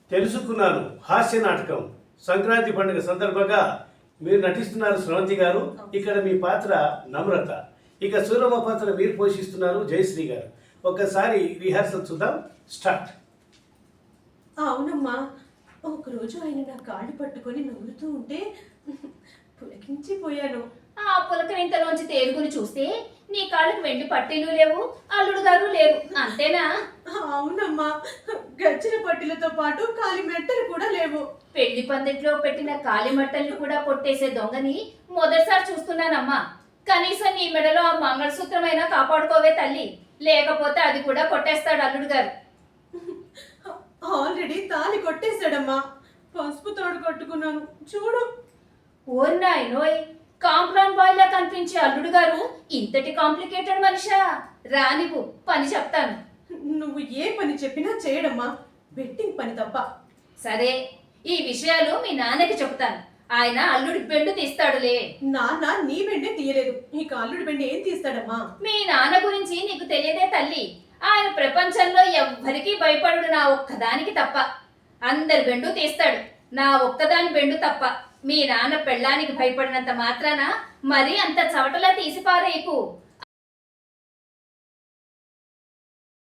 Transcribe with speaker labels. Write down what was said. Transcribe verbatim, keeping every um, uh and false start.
Speaker 1: తెలుసుకున్నాను హాస్య నాటకం సంక్రాంతి పండుగ సందర్భంగా మీరు నటిస్తున్నారు స్రవంతి గారు. ఇక్కడ మీ పాత్ర నమ్రత, ఇక సూరమ్మ పాత్ర మీరు పోషిస్తున్నారు జయశ్రీ గారు. ఒకసారి రిహార్సల్ చూద్దాం. స్టార్ట్.
Speaker 2: అవునమ్మా, ఒకరోజు ఆయన నా కాళ్ళు పట్టుకొని నవ్వుతూ ఉంటే పులకించిపోయాను.
Speaker 3: ఆ పులకరింతలోంచి తేలుగుని చూస్తే నీ కాళ్ళకు వెండి పట్టీలు లేవు, అల్లుడు గారు లేరు, అంతేనా?
Speaker 2: అవునమ్మా, గచ్చిన పట్టీలతో పాటు కాలి మెట్టలు కూడా లేవు.
Speaker 3: పెళ్లి పందిట్లో పెట్టిన కాలి మట్టల్ని కూడా కొట్టేసే దొంగని మొదటిసారి చూస్తున్నానమ్మా. కనీసం నీ మెడలో ఆ మంగళసూత్రమైనా కాపాడుకోవే తల్లి, లేకపోతే అది కూడా కొట్టేస్తాడు అల్లుడు గారు.
Speaker 2: ఆల్రెడీ తాళి కొట్టేశాడమ్మా, పసుపు తోడు కట్టుకున్నాను చూడు.
Speaker 3: ఓరి నాయనోయ్, కాంప్లాన్ బాయ్ లా కనిపించే అల్లుడు గారు ఇంతటి కాంప్లికేటెడ్ మనిషా? రానివ్వు, పని చెప్తాను.
Speaker 2: నువ్వు ఏ పని చెప్పినా చేయడమ్మా, బెట్టింగ్ పని తప్ప.
Speaker 3: సరే, ఈ విషయాలు మీ నాన్నకి చెప్తాను. ఆయన అల్లుడి బెండు తీస్తాడులే.
Speaker 2: నాన్న నీ బెండే తీయలేదు, ఇక అల్లుడి బెండి ఏం తీస్తాడమ్మా?
Speaker 3: మీ నాన్న గురించి నీకు తెలియదే తల్లి. ఆయన ప్రపంచంలో ఎవ్వరికీ భయపడు, నా ఒక్కదానికి తప్ప. అందరి బెండు తీస్తాడు, నా ఒక్కదాని బెండు తప్ప. మీ నాన్న పెళ్ళానికి భయపడినంత మాత్రాన మరీ అంత చవటలా తీసి పారేయకు.